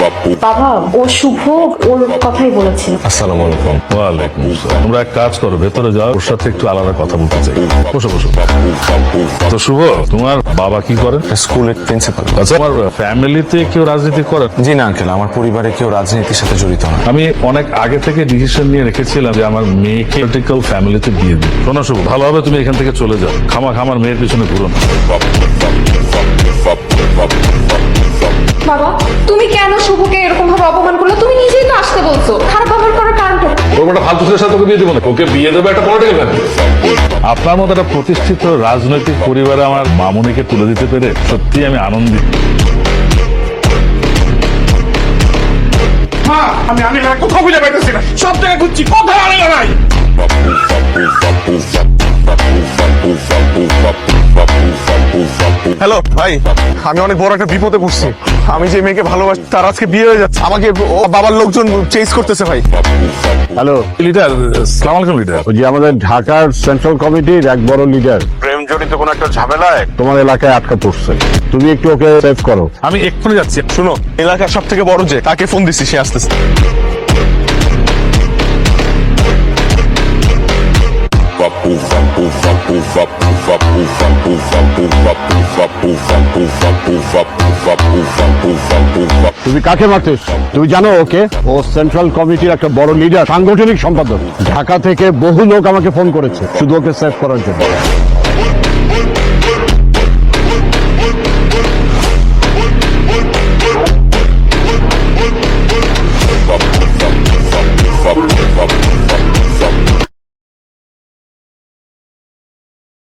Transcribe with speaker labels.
Speaker 1: বাবা ও শুভ ওর কথাই বলেছিল।
Speaker 2: আসসালামু আলাইকুম।
Speaker 3: ওয়ালাইকুম আসসালাম। তোমরা এক কাজ করো, ভেতরে যাও, ওর সাথে একটু আলাদা কথা বলতে চাই। বসো বসো। তো শুভ, তোমার বাবা কি করেন?
Speaker 2: স্কুলের প্রিন্সিপাল।
Speaker 3: আচ্ছা, আমার ফ্যামিলিতে কেউ রাজনীতি করে?
Speaker 2: জি না আঙ্কেল, আমার পরিবারে কেউ রাজনীতির সাথে জড়িত না।
Speaker 3: আমি অনেক আগে থেকে ডিসিশন নিয়ে রেখেছিলাম যে আমার মেয়েকে পলিটিক্যাল ফ্যামিলিতে বিয়ে দিই। শোনো শুভ, ভালো হবে তুমি এখান থেকে চলে যাও, আমার মেয়ের পিছনে ঘুরো না।
Speaker 1: বাবা তুমি কেন শুভকে এরকম ভাবে অপমান করলে? তুমি নিজেই তো আসতে বলছো, খারাপ ব্যবহার করার কারণটা
Speaker 3: ওর একটা ফালতু ছেলের সাথে ওকে বিয়ে দেবো না, ওকে বিয়ে দেবো একটা পলিটিক্যাল ফ্যামিলি। আপনার মতো একটা প্রতিষ্ঠিত রাজনৈতিক পরিবারে আমার মামুনিকে তুলে দিতে পেরে সত্যি আমি আনন্দিত।
Speaker 4: আমি কোথাও খুঁজে পাইতেছি না, সব জায়গায় খুঁজছি, কোথাও আনিলা নাই। হ্যালো ভাই, আমি অনেক বড় একটা বিপদে পড়ছি। আমি যে মেয়েকে ভালোবাসি তার আজকে বিয়ে হয়ে যাচ্ছে, আমাকে বাবার লোকজন চেজ করতেছে ভাই।
Speaker 5: হ্যালো
Speaker 3: লিডার, সালাম আলাইকুম লিডার।
Speaker 5: ওই যে আমাদের ঢাকার সেন্ট্রাল কমিটির এক বড় লিডার
Speaker 4: প্রেম জড়িত কোন একটা ঝামেলায়
Speaker 5: তোমার এলাকায় আটকা পড়ছে, তুমি একটু ওকে সেভ করো।
Speaker 3: আমি এক্ষুনি যাচ্ছি।
Speaker 4: শুনো, এলাকার সব থেকে বড় যে তাকে ফোন দিছি, সে আসতেছে।
Speaker 5: তুমি কাকে মারতেছ? তুমি জানো ওকে? ও সেন্ট্রাল কমিটির একটা বড় লিডার, সাংগঠনিক সম্পাদক। ঢাকা থেকে বহু লোক আমাকে ফোন করেছে শুধু ওকে সেভ করার জন্য।